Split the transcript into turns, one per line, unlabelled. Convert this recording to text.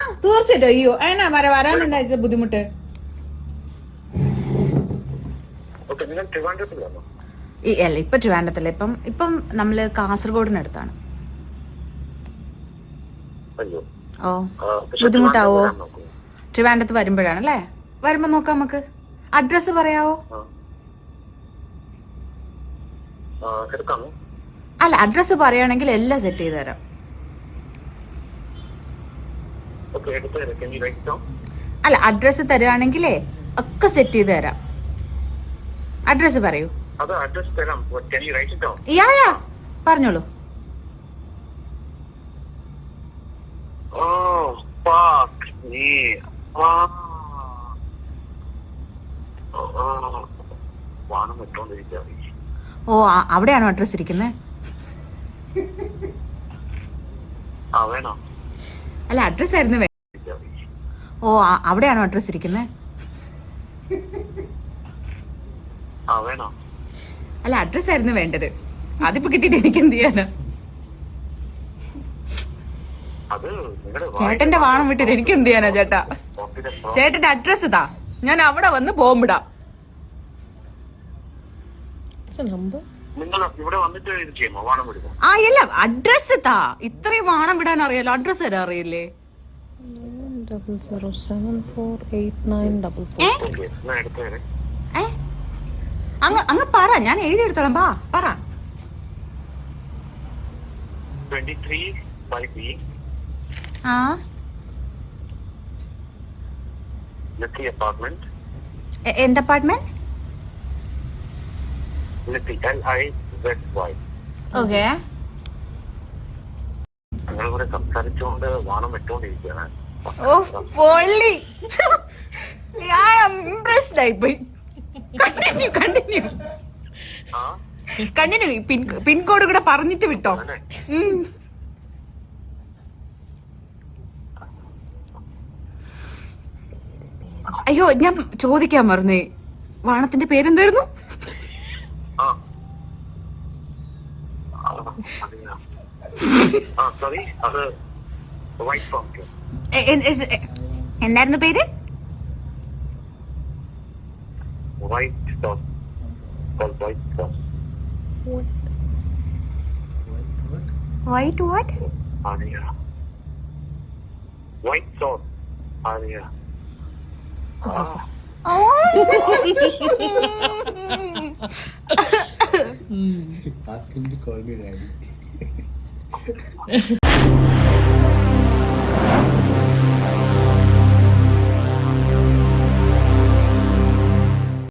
തീർച്ചയായിട്ടും. അയ്യോ എന്നാ വരാനെന്താ ഇത് ബുദ്ധിമുട്ട്? അല്ല ഇപ്പൊ ട്രിവാൻഡ്രത്തല്ല, ഇപ്പം നമ്മള് കാസർഗോഡിനടുത്താണ്. ഓ ബുദ്ധിമുട്ടാവോ? ട്രിവാൻഡ്രത്ത് വരുമ്പോഴാണല്ലേ? വരുമ്പോ നോക്കാം നമുക്ക്. അഡ്രസ് പറയാവോ? അല്ല അഡ്രസ് പറയുകയാണെങ്കിൽ എല്ലാം സെറ്റ് ചെയ്ത് തരാം. അല്ല അഡ്രസ് തരുവാണെങ്കിലേ ഒക്കെ സെറ്റ് ചെയ്ത് തരാം. അഡ്രസ് പറയൂ. യാ പറഞ്ഞോളൂ. ഓ അവിടെയാണോ അഡ്രസ് ഇരിക്കുന്നത്? അല്ല അഡ്രസ് ആയിരുന്നു. ഓ അവിടെയാണോ അഡ്രസ് ഇരിക്കുന്നത്? അല്ല അഡ്രസ് ആയിരുന്നു വേണ്ടത്. അതിപ്പോ കിട്ടിയിട്ട് എനിക്ക് എന്ത് ചെയ്യാനാ? ചേട്ടന്റെ വാണം വിട്ടിട്ട് എനിക്ക് എന്ത് ചെയ്യാനാ ചേട്ടാ? ചേട്ടന്റെ അഡ്രസ് താ, ഞാൻ അവിടെ വന്ന് ബോംബിടാം. ആ ഇല്ല അഡ്രസ് താ. ഇത്രയും വാണം വിടാൻ അറിയാലോ, അഡ്രസ് തരാൻ അറിയില്ലേ?
0074894.
അങ്ങ് പറ, ഞാൻ എഴുതിയെടുത്തോളാം. പറ.
23
ആ
അപ്പാർട്ട്മെന്റ്.
എന്ത് അപ്പാർട്ട്മെന്റ്? ഓക്കെ.
ഞങ്ങളിവിടെ സംസാരിച്ചുകൊണ്ട് വാണം വിട്ടുകൊണ്ടിരിക്കുകയാണ്.
ഓ പൊള്ളി, ഞാൻ ഇംപ്രസ്ഡ് ആയിപ്പോയി. കണ്ടിന്യൂ. പിൻകോഡ് കൂടെ പറഞ്ഞിട്ട് വിട്ടോ. അയ്യോ ഞാൻ ചോദിക്കാൻ മറന്നേ, വാണത്തിന്റെ പേരെന്തായിരുന്നു? എന്തായിരുന്നു പേര്? White what?
White sauce. Alia.
Ask him to call me daddy.